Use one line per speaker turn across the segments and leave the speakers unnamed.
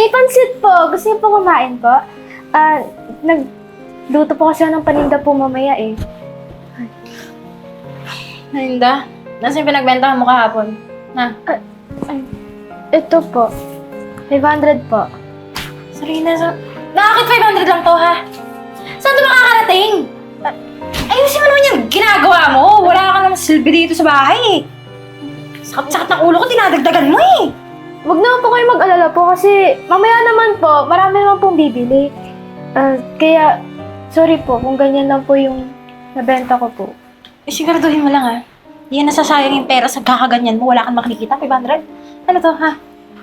May pansit po. Gusto niyo po kumain po? Nagluto po kasi ako ng paninda po mamaya eh.
Linda, nasa yung pinagbentahan mo kahapon? Ha?
Ito po. 500 po.
Sarina, bakit 500 lang to, ha? Saan ito makakarating? Ayusin mo naman yung ginagawa mo. Wala ka namang silbi dito sa bahay, eh. Sakit-sakit ng ulo ko, tinadagdagan mo, eh.
Huwag naman po kayo mag-alala po kasi mamaya naman po, marami naman pong bibili. Kaya, sorry po kung ganyan lang po yung nabenta ko po.
Siguraduhin mo lang, ha? Hindi yan nasasayang yung pera sa kakaganyan mo. Wala kang makikita, 500. Ano to, ha?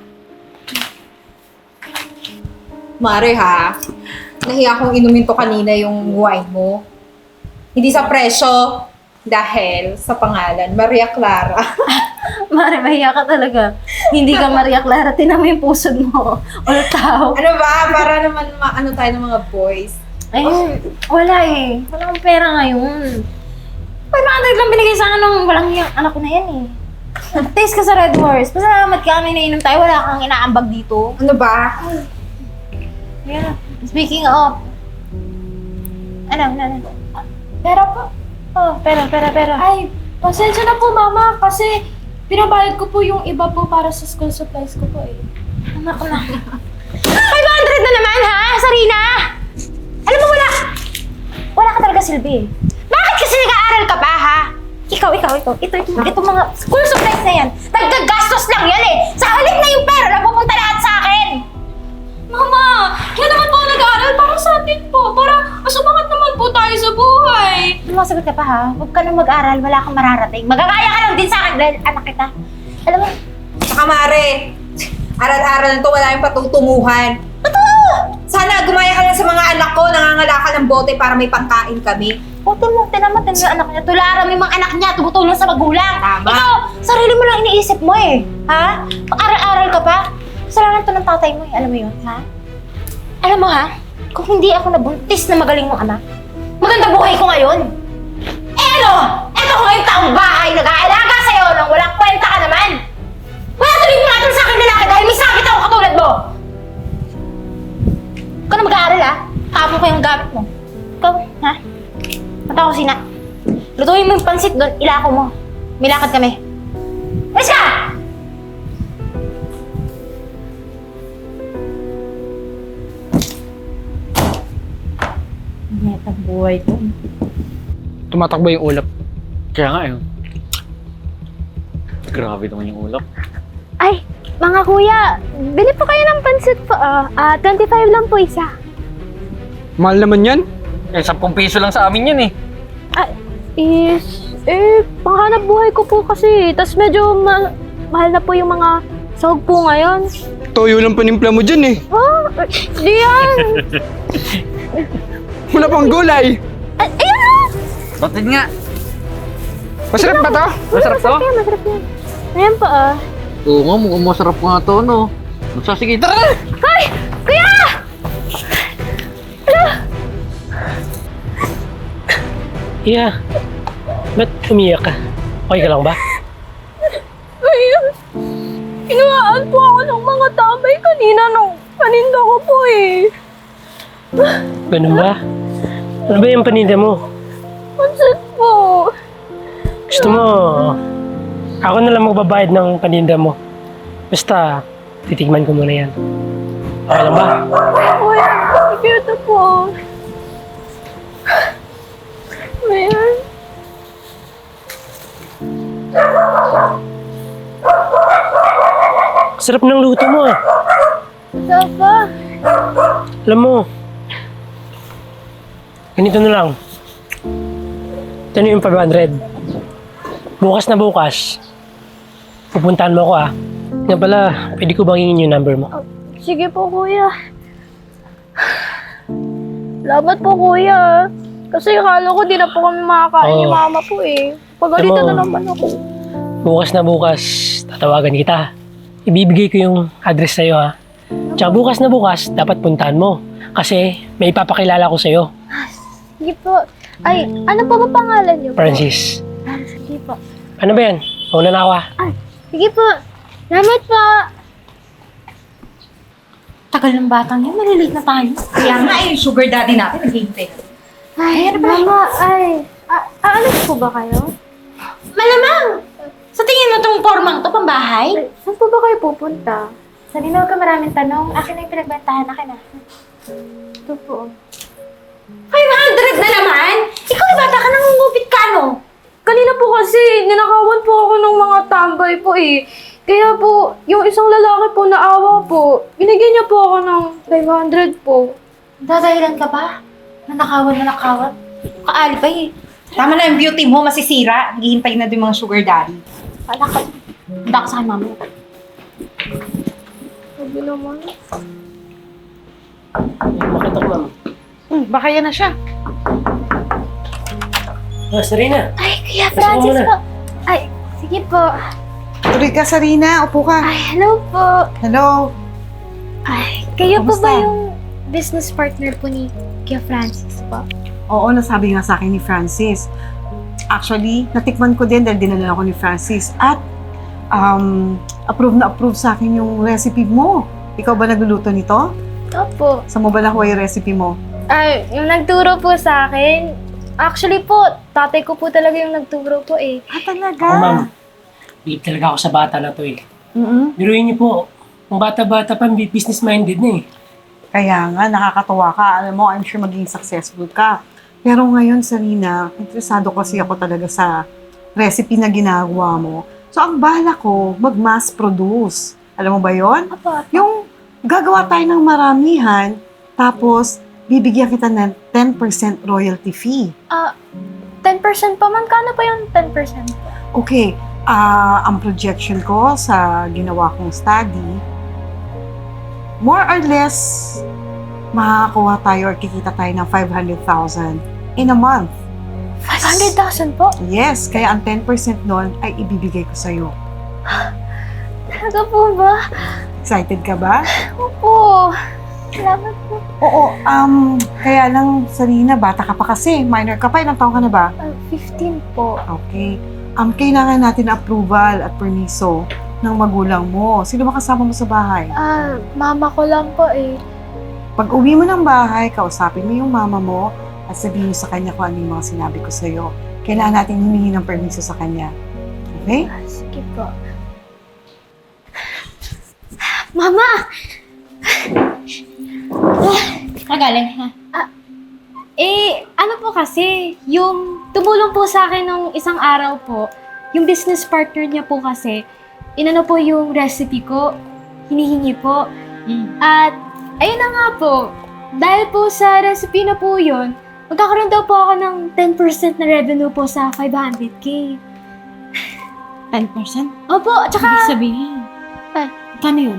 Mare ha, nahiya akong inumin to kanina yung wine mo. Hindi sa presyo, dahil sa pangalan, Maria Clara.
Mare, mahiya ka talaga. Hindi ka Maria Clara, tinan mo yung pusod mo. Wala tao.
Ano ba? Para naman ano tayo ng mga boys.
Ay, wala eh. Wala akong pera ngayon. 500 lang binigay sa akin ng walang yung anak ko na yan eh. Taste ka sa Red Horse. Pasalamat ka, may nainom tayo. Wala kang inaambag dito.
Ano ba?
Yeah. Speaking of... Ano?
Pera po.
Oh, pera.
Ay, pasensya na po mama kasi pinabayad ko po yung iba po para sa school supplies ko po eh.
Anak na. 500 na naman ha, Sarina! Alam mo, wala ka talaga silbi eh. Bakit kasi nag-aaral ka pa ha? Ikaw. Ito mga school supplies na yan. Naggagastos lang yan eh. Sa halip na yung pera na pupunta lahat sa akin.
Mama, kaya naman po ako nag-aaral para sa atin po. Para masumangat naman po tayo sa buhay.
Lumasagot ka pa ha. Huwag ka nang mag-aral, wala kang mararating. Magagaya ka lang din sa akin dahil anak kita. Alam mo,
Saka Mare, aral-aral na to, wala yung patutunguhan.
totoo!
Sana gumaya ka lang sa mga anak ko, nangangalakal ng bote para may pangkain kami.
Putin mo yung anak niya. Tularan mo yung mga anak niya, tumutulong sa magulang.
Tama.
Ikaw, sarili mo lang iniisip mo eh. Ha? Pag-aral-aral ka pa? Kasalanan to ng tatay mo eh. Alam mo yun, ha? Alam mo ha? Kung hindi ako nabuntis na magaling mong ama, maganda buhay ko ngayon. Eh ano? Eto ko ngayong taong bahay, nag-aalaga sa'yo nang walang kwenta ka naman. Wala tuloy mo natin sa akin lalaki dahil may sakit ako katulad mo. Huwag ka na mag-aaral ha? Tapon ko yung gamit mo. Ikaw, ha? Punta ko sina. Lutuin mo yung pansit doon, ilako mo. May lakad kami. Alis ka! Netang buhay ko.
Tumatakbo yung ulap. Kaya nga yun. Grabe naman yung ulap.
Ay, mga kuya, bili po kayo ng pansit po. 25 lang po isa.
Mahal naman yan. Eh, 10 piso lang sa amin yan eh.
Panghanap buhay ko po kasi. Tapos medyo mahal na po yung mga sahog po ngayon.
Toyo lang panimpla mo dyan eh.
Di yan!
Wala pang gulay.
Ayan!
Batid nga.
Masarap ba to?
Masarap to?
Masarap yan. Ayan po
Oo nga, mukhang masarap nga to, no? Sige, tara na!
Ay! Kuya!
Iya, ba't umiyak ka? Okay ka lang ba?
Kuya! Inuwaan po ako ng mga tambay kanina nung paninda ko po eh.
Ganun ba? Ano ba yung paninda mo?
Pansit po.
Gusto mo, ako na lang magbabayad ng paninda mo. Basta, titigman ko muna yan. Okay lang ba?
Kuya, cute po. Ayan.
Sarap ng luto mo ah.
Sapa.
Alam mo, ganito na lang. Ito na yung 500. Bukas na bukas, pupuntahan mo ako ah. Nga pala, pwede ko bang hingin yung number mo?
Sige po, kuya. Salamat po, kuya. Kasi akala ko di na po kami makakain ni
Oo.
mama po eh. Pagalitan
Alam mo,
na naman ako.
Bukas na bukas, tatawagan kita. Ibibigay ko yung address sa'yo ha. Tsaka bukas na bukas, dapat puntahan mo. Kasi may ipapakilala ko sa'yo,
Sige po. Ay, ano po ba pangalan niyo po?
Francis.
Sige po.
Ano ba yan? Mauna na ako ha.
Sige po. Salamat po.
Tagal ng batang yun, malilate na tayo.
Kaya nga yung sugar daddy natin naghihintay.
Ay, mama, ay. Aalis po ba kayo?
Malamang! Sa tingin mo tong formang to, pambahay?
Ay, saan po ba kayo pupunta?
Sabi na huwag ka maraming tanong. Akin na yung pinagbentahan, akin na.
Ito po.
500 na naman? Ikaw na bata ka, nangungupit ka, no?
Kanina po kasi, ninakawan po ako ng mga tambay po eh. Kaya po, yung isang lalaki po naawa po, binigyan niya po ako ng 500 po.
Dadahilan ka ba? Nanakawan. Kaalipay eh.
Tama na yung beauty mo, masisira. Naghihintay na din mga sugar daddy.
Wala ka. Handa ka sa akin, mama.
Sabi naman.
Makita ko, ma'am.
Baka yan na siya.
Sarina.
Ay, Kuya
Gusto
Francis
mo na?
po. Ay, sige po.
Tuloy ka, Sarina. Upo ka.
Ay, hello po.
Hello.
Ay, kayo po
Kamusta?
ba yung business partner po ni Kuya Francis po?
Oo, nasabi nga sa akin ni Francis. Actually, natikman ko din dahil dinala ako ni Francis. At approve sa akin yung recipe mo. Ikaw ba nagluluto nito?
Opo.
Saan mo ba nakuha yung recipe mo?
Ay, yung nagturo po sa akin. Actually po, tatay ko po talaga yung nagturo po eh.
Talaga?
Ako, ma'am. Believe talaga ako sa bata na to eh.
Mm-mm.
Biruin niyo po, kung bata-bata pa, business-minded na eh.
Kaya nga, nakakatuwa ka. Alam mo, I'm sure maging successful ka. Pero ngayon, Sarina, interesado kasi ako talaga sa recipe na ginagawa mo. So, ang bala ko, mag-mass produce. Alam mo ba yon?
Apa?
Yung gagawa tayo ng maramihan, tapos bibigyan kita ng 10% royalty fee.
10% pa man. Kano pa yung 10%?
Okay, ang projection ko sa ginawa kong study, more or less, makakakuha tayo or kikita tayo ng 500,000 in a month.
500,000 po?
Yes, kaya ang 10% nun ay ibibigay ko sa'yo.
Talaga po ba?
Excited ka ba?
Opo. Salamat po.
Oo, kaya lang, Sarina, bata ka pa kasi. Minor ka pa, ilang taon ka na ba?
15 po.
Okay. Kailangan natin approval at permiso ng magulang mo. Sino ba kasama mo sa bahay?
Mama ko lang po eh.
Pag uwi mo ng bahay, kausapin mo yung mama mo at sabihin mo sa kanya kung ano yung mga sinabi ko sa'yo. Kailangan natin humingi ng permiso sa kanya. Okay?
Sige po. Mama!
Kagaling, ha?
Ano po kasi, yung tumulong po sa akin nung isang araw po, yung business partner niya po kasi, inano po yung recipe ko, hinihingi po. At, ayun na nga po, dahil po sa recipe na po yun, magkakaroon daw po ako ng 10% na revenue po sa 500K.
10%?
Opo, tsaka
Ibig sabihin. Kano yun?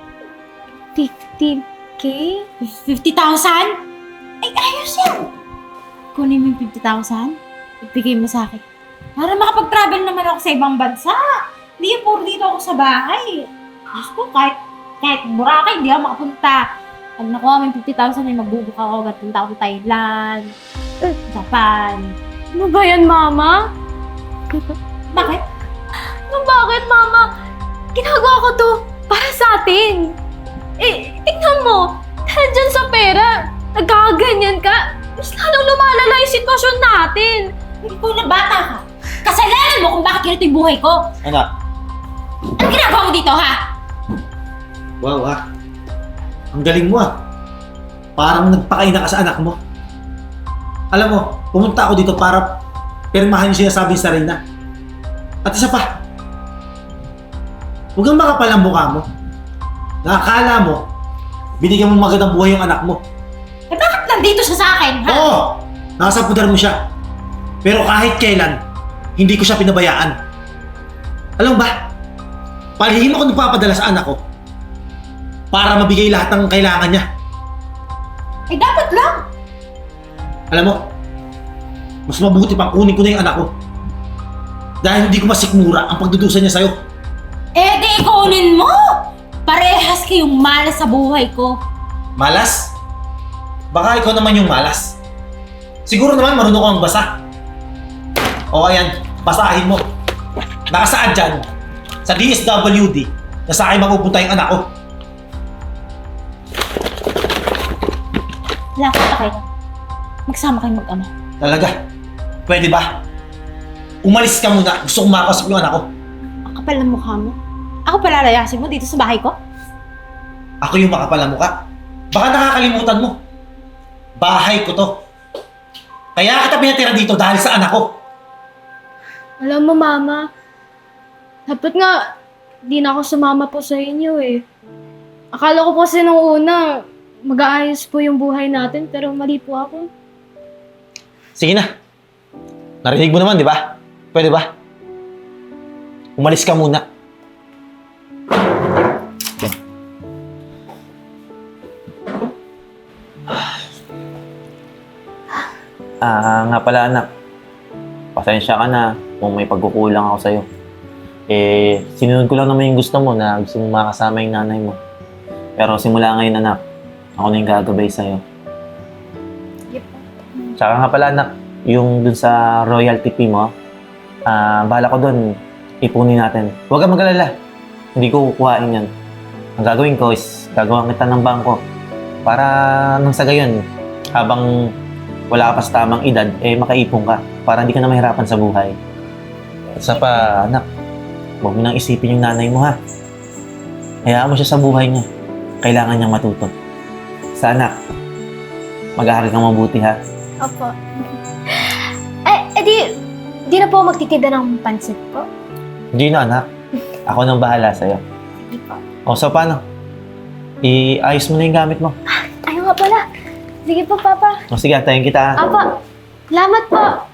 50K?
50,000? Ay, ayos yan! Kunin mo yung 50,000, ibigay mo sa akin. Para makapag-travel naman ako sa ibang bansa. Hindi yung puro dito ako sa bahay. Diyos ko, kahit Boracay, hindi ako makapunta. Pag nakuha mo yung 50,000, ay magbubook ako. Gatunta ako sa Thailand, Japan.
Ano ba yan, Mama?
Bakit?
Bakit, Mama? Ginagawa ko to para sa atin. Tingnan mo, dahil dyan sa pera, nagkakaganyan ka, mas lalong lumalala yung sitwasyon natin.
Ikaw na bata ka. Kasalanan mo kung bakit ganito yung buhay ko.
Anak,
Ano ginagawa mo dito, ha?
wow Ang galing mo Parang nagpakaina ka sa anak mo. Alam mo, pumunta ako dito para pirmahan yung sinasabi sa Reyna. At isa pa, huwag kang makapal ang mukha mo. Nakakala mo, binigyan mo magandang buhay yung anak mo.
Eh bakit nandito siya sa akin, ha?
Oo! Nasa pudar mo siya. Pero kahit kailan, hindi ko siya pinabayaan. Alam mo ba? Palihim ako nagpapadala sa anak ko para mabigay lahat ng kailangan niya.
Eh dapat lang.
Alam mo, mas mabuti pang kunin ko na yung anak ko. Dahil hindi ko masikmura ang pagdudusa niya sa'yo.
Eh di kunin mo! Parehas kayong malas sa buhay ko.
Malas? Baka ikaw naman yung malas. Siguro naman marunong kang basa. O ayan, basahin mo. Nakasaad dyan, sa DSWD, na sa akin mapupunta yung anak ko.
Wala akong pakay. Magsama kayo mag-ama.
Talaga? Pwede ba? Umalis ka muna. Gusto kong makakausap yung anak ko.
Ang kapal ng mukha mo. Ako palalayasin mo dito sa bahay ko?
Ako yung makapal na mukha. Baka nakakalimutan mo. Bahay ko to. Kaya kita pinatira dito dahil sa anak ko.
Alam mo, Mama, dapat nga, di na ako sumama po sa inyo eh. Akala ko po kasi nung una, mag-aayos po yung buhay natin, pero mali po ako.
Sige na. Narinig mo naman, di ba? Pwede ba? Umalis ka muna.
Nga pala anak, pasensya ka na kung may pagkukulang ako sa'yo. Sinunod ko lang naman yung gusto mo na gusto mong makasama yung nanay mo. Pero simula ngayon anak, ako na yung gagabay sa'yo. Tsaka nga pala anak, yung dun sa royalty fee mo, bahala ko dun, ipunin natin. Huwag kang mag-alala, hindi ko kukuhain yan. Ang gagawin ko is, gagawa kita ng bangko. Para nang sa gayon, habang wala ka pa sa tamang edad, makaipon ka. Para hindi ka na mahirapan sa buhay. At sa pa, anak, huwag mo nang isipin yung nanay mo ha. Hayaan mo siya sa buhay niya. Kailangan niyang matuto. Sa anak, mag-aaral kang mabuti ha.
Opo. Di na po magtitida ng pansit po.
Hindi na anak. Ako nang bahala sa'yo.
Sige po.
O so paano? Iayos mo na yung gamit mo.
Ayaw nga pala. Sige po, Papa.
O sige, tayo kita ha.
Apa, salamat po.